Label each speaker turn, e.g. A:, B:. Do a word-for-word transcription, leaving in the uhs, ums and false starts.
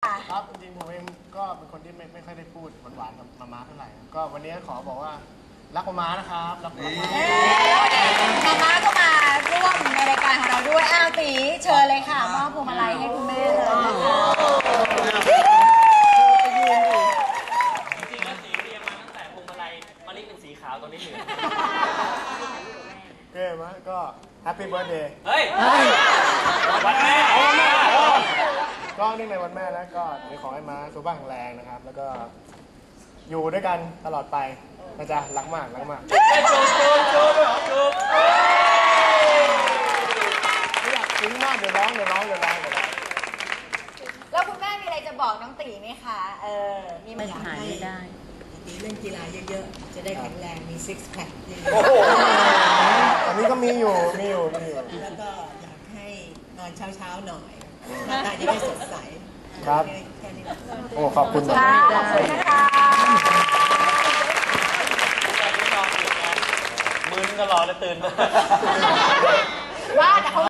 A: ครับจริงๆผมเองก็เป็นคนที่ไม่ไม่ค่อยได้พูดหวานๆกับมาม่าเท่าไหร่ก็วันนี้ขอบอกว่ารักมาม่านะครับรักมาม่า
B: มาม่าก็มาร่วมในรายการของเราด้วยอ้าวตีเชิญเลยค่ะมอบพวงมาลัยให้คุณแม่เลยนะคะ
C: จริงๆแล้วสีเรียงมาตั้งแต่พวงมาลัยมะลิเป็นสีขาวตอนนี้เหลือง
A: เก้มะก็แฮปปี้เบิร์ดเดย์
C: เฮ้ยวันแม่
A: ก็เนื่องในวันแม่แล้วก็ขอให้ม้าสุขภาพแข็งแรงนะครับแล้วก็อยู่ด้วยกันตลอดไปนะจ๊ะรักมากรักมาก
C: จูบจูบจูบจูบ
A: ไม่อยากซึ้งมากเดี๋ยวร้องเดี๋ยวร้องเดี๋ยวร้องเดี๋ยวร้อง
B: แล้วคุณแม่มีอะไรจะบอกน้องตีไหมคะเออมี
D: มันหายไม่ได้
E: ตีเล่นกีฬาเยอะๆ จะได้แข็งแรง มีซิกแพคเยอะ
A: ตอนนี้ก็มีอยู่มีอยู่มีอยู่
E: แล้วก็อยากให้นอนเช้าๆหน่อยหน้าตาจะได้สดใส
A: ครับ
E: แค่นี้
A: โอ้ขอบคุณ
B: ค่ะขอบคุณนะคะ
C: มือนึงก็รอแล้วตื่นมา
B: ว่าแต่เขา